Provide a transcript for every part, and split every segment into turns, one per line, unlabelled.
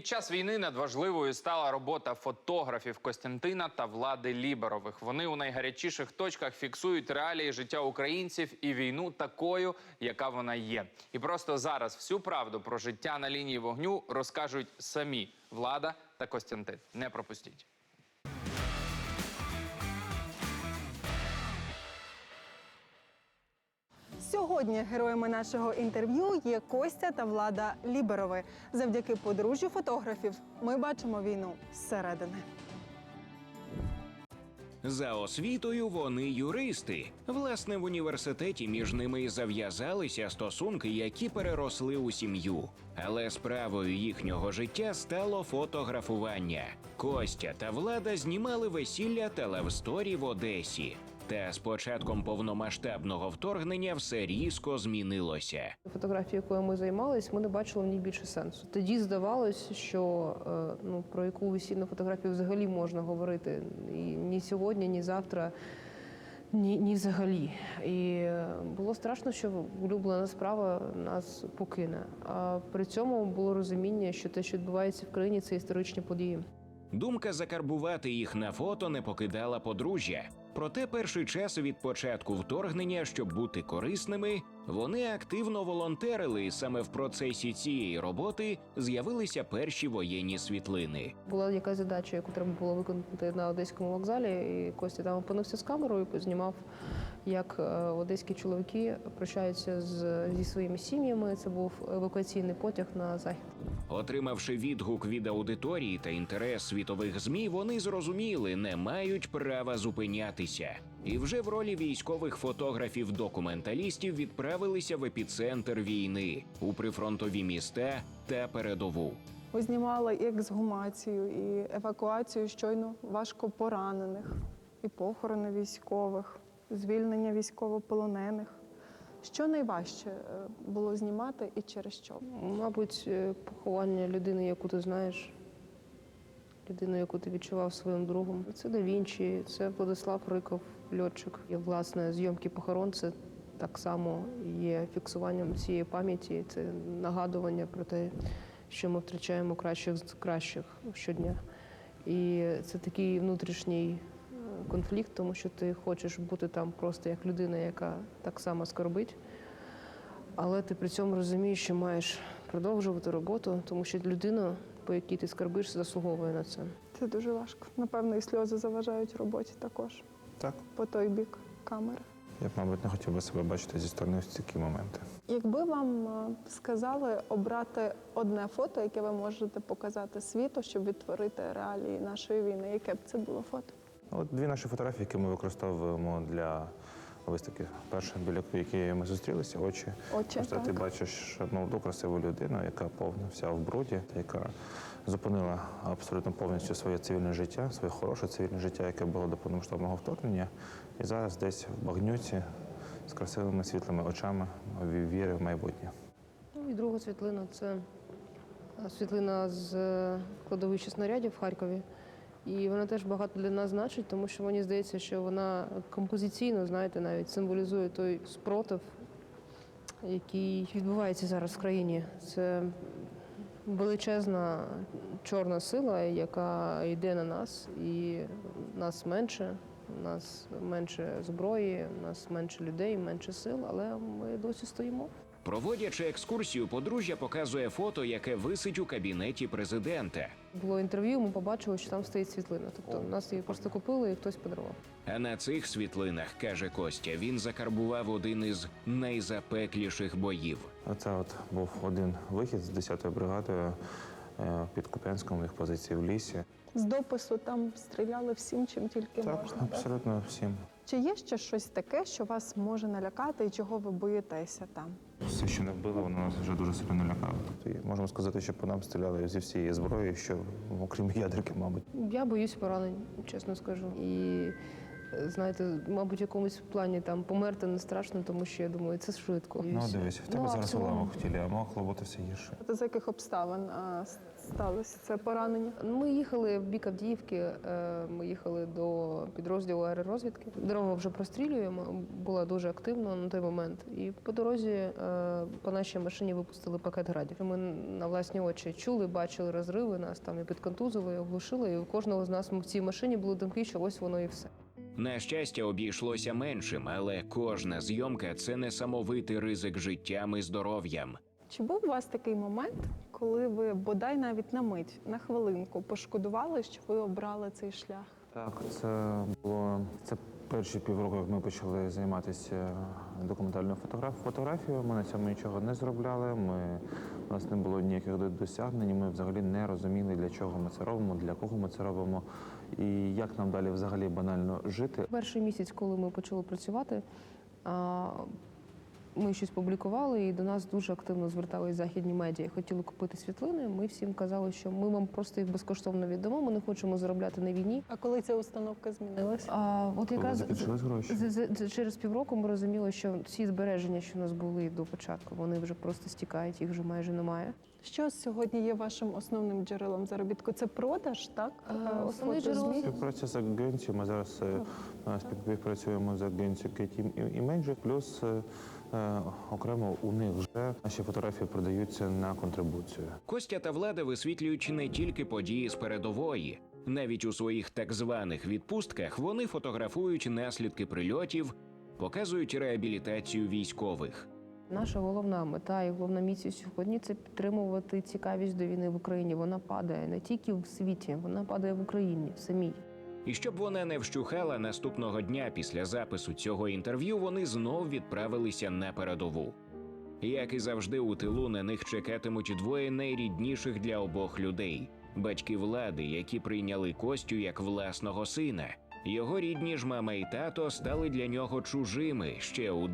Під час війни надважливою стала робота фотографів Костянтина та Влади Ліберових. Вони у найгарячіших точках фіксують реалії життя українців і війну такою, яка вона є. І просто зараз всю правду про життя на лінії вогню розкажуть самі Влада та Костянтин. Не пропустіть.
Сьогодні героями нашого інтерв'ю є Костя та Влада Ліберови. Завдяки подружжю фотографів ми бачимо війну зсередини.
За освітою вони юристи. Власне, в університеті між ними і зав'язалися стосунки, які переросли у сім'ю. Але справою їхнього життя стало фотографування. Костя та Влада знімали весілля та левсторі в Одесі. Та з початком повномасштабного вторгнення все різко змінилося.
Фотографії, якою ми займалися, ми не бачили в ній більше сенсу. Тоді здавалось, що про яку весільну фотографію взагалі можна говорити і ні сьогодні, ні завтра, ні взагалі. І було страшно, що улюблена справа нас покине. А при цьому було розуміння, що те, що відбувається в країні, це історичні події.
Думка закарбувати їх на фото не покидала подружжя. Проте перший час від початку вторгнення, щоб бути корисними, вони активно волонтерили, і саме в процесі цієї роботи з'явилися перші воєнні світлини.
Була якась задача, яку треба було виконати на Одеському вокзалі, і Костя там опинився з камерою, познімав, як одеські чоловіки прощаються зі своїми сім'ями. Це був евакуаційний потяг на захід.
Отримавши відгук від аудиторії та інтерес світових ЗМІ, вони зрозуміли, не мають права зупинятися. І вже в ролі військових фотографів-документалістів відправилися в епіцентр війни, у прифронтові міста та передову.
Ви знімали і ексгумацію, і евакуацію щойно важко поранених, і похорони військових, звільнення військовополонених. Що найважче було знімати і через що?
Мабуть, поховання людини, яку ти знаєш, людину, яку ти відчував своїм другом. Це Да Вінчі, це Владислав Риков, льотчик. І, власне, зйомки похорон – це так само є фіксуванням цієї пам'яті, це нагадування про те, що ми втрачаємо кращих з кращих щодня. І це такий внутрішній конфлікт, тому що ти хочеш бути там просто як людина, яка так само скорбить, але ти при цьому розумієш, що маєш продовжувати роботу, тому що людина, по якій ти скорбиш, заслуговує на це.
Це дуже важко. Напевно, і сльози заважають роботі також.
Так.
По той бік камери.
Я б, мабуть, не хотів би себе бачити зі сторони в такі моменти.
Якби вам сказали обрати одне фото, яке ви можете показати світу, щоб відтворити реалії нашої війни, яке б це було фото?
От дві наші фотографії, які ми використовуємо для виставки. Перша, біля якої ми зустрілися, очі. Просто
так.
Ти бачиш молоду, красиву людину, яка повна вся в бруді, яка зупинила абсолютно повністю своє цивільне життя, своє хороше цивільне життя, яке було до повномасштабного вторгнення. І зараз десь в багнюці з красивими світлими очами віри в майбутнє.
І друга світлина – це світлина з кладовища снарядів в Харкові. І вона теж багато для нас значить, тому що мені здається, що вона композиційно, знаєте, навіть символізує той спротив, який відбувається зараз в країні. Це величезна чорна сила, яка йде на нас, і нас менше зброї, нас менше людей, менше сил, але ми досі стоїмо.
Проводячи екскурсію, подружжя показує фото, яке висить у кабінеті президента.
Було інтерв'ю, ми побачили, що там стоїть світлина. Тобто нас її просто купили і хтось подарував.
А на цих світлинах, каже Костя, він закарбував один із найзапекліших боїв.
Оце був один вихід з 10-ї бригадою під Куп'янськом, їх позиції в лісі.
З допису там стріляли всім, чим тільки
Так,
можна.
абсолютно всім.
Чи є ще щось таке, що вас може налякати і чого ви боїтеся там?
Все, що не вбило, воно нас вже дуже сильно налякало. Тобто, можемо сказати, що по нам стріляли зі всієї зброї, що окрім ядерки, мабуть.
Я боюсь поранень, чесно скажу. І Знаєте, мабуть, в якомусь плані там померти не страшно, тому що я думаю, це швидко. І
Ну,
все.
дивись, в тебе
Ну, а
зараз
цілому-
уламок в тілі, а могло бути все гірше.
З яких обставин сталося це поранення?
Ми їхали в бік Авдіївки, ми їхали до підрозділу аеророзвідки. Дорогу вже прострілюємо, була дуже активно на той момент. І по дорозі по нашій машині випустили пакет градів. Ми на власні очі чули, бачили розриви, нас там і підконтузили, і оглушили. І у кожного з нас в цій машині були думки, що ось воно і все.
На щастя, обійшлося меншим, але кожна зйомка це несамовитий ризик життям і здоров'ям.
Чи був у вас такий момент, коли ви бодай навіть на мить, на хвилинку пошкодували, що ви обрали цей шлях?
Так, це перші півроку, як ми почали займатися документальною фотографією. Ми на цьому нічого не зробляли. У нас не було ніяких досягнень. Ми взагалі не розуміли, для чого ми це робимо, для кого ми це робимо і як нам далі взагалі банально жити.
Перший місяць, коли ми почали працювати, ми щось публікували, і до нас дуже активно звертались західні медіа. Хотіли купити світлини. Ми всім казали, що ми вам просто їх безкоштовно віддамо. Ми не хочемо заробляти на війні.
А коли ця установка змінилася?
От
Коли
якраз
закінчились гроші.
через півроку ми розуміли, що всі збереження, що у нас були до початку, вони вже просто стікають, їх вже майже немає.
Що сьогодні є вашим основним джерелом заробітку? Це продаж, так?
Основне джерело-
Фотозмін?
Співпраця з агенцією. Ми зараз співпрацюємо з агенцією Getty Images, плюс окремо у них вже наші фотографії продаються на контрибуцію.
Костя та Влада висвітлюють не тільки події з передової. Навіть у своїх так званих відпустках вони фотографують наслідки прильотів, показують реабілітацію військових.
Наша головна мета і головна місія сьогодні це підтримувати цікавість до війни в Україні. Вона падає не тільки в світі, вона падає в Україні в самій.
І щоб вона не вщухала, наступного дня після запису цього інтерв'ю вони знов відправилися на передову. Як і завжди, у тилу на них чекатимуть двоє найрідніших для обох людей – батьки Влади, які прийняли Костю як власного сина. Його рідні ж мама і тато стали для нього чужими ще у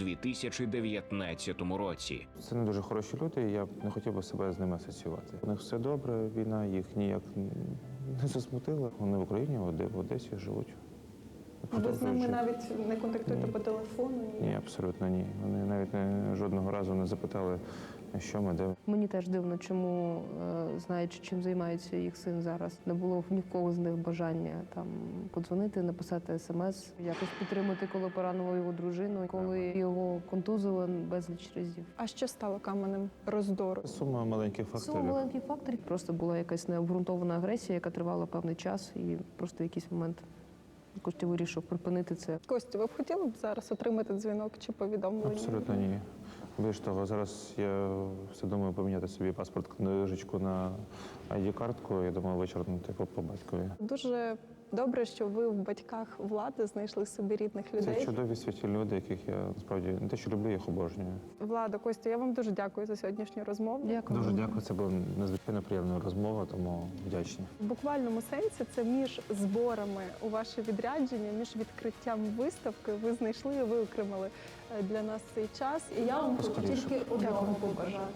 2019 році.
Це не дуже хороші люди, і я б не хотів би себе з ними асоціювати. У них все добре, війна їх ніяк не засмутила. Вони в Україні, в Одесі живуть.
Ви з ними навіть не контактуєте
Ні.
по телефону?
Ні, абсолютно ні. Вони навіть жодного разу не запитали, що ми, де.
Мені теж дивно, чому, знаючи, чим займається їх син зараз, не було в нікого з них бажання там подзвонити, написати смс, якось підтримати, коли поранило його дружину, коли його контузило безліч разів.
А що стало каменем роздору?
Сума маленьких
Сума
факторів.
маленьких факторів. Просто була якась необґрунтована агресія, яка тривала певний час, і просто в якийсь момент Костя вирішив припинити це.
Костю, ви б хотіли б зараз отримати дзвінок чи повідомлення?
Абсолютно ні. Більш того, зараз я все думаю поміняти собі паспорт книжечку на ID-картку. Я думаю, вичерпнути по батькові.
Дуже добре, що ви в батьках Влади знайшли собі рідних
Це
людей.
чудові світлі люди, яких я насправді не те, що люблю, їх обожнюю.
Влада, Костя, я вам дуже дякую за сьогоднішню розмову.
Дякую.
Дуже дякую. Це була надзвичайно приємна розмова, тому вдячні.
В буквальному сенсі це між зборами у ваше відрядження, між відкриттям виставки ви знайшли і виокремили для нас цей час. І я вам хочу
Поскоріше.
тільки одного побажати.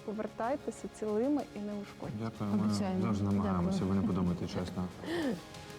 Повертайтеся цілими і неушкодженими.
Дякую. Ми
Обіцяємо.
завжди намагаємося,
Дякую.
ви не подумайте чесно.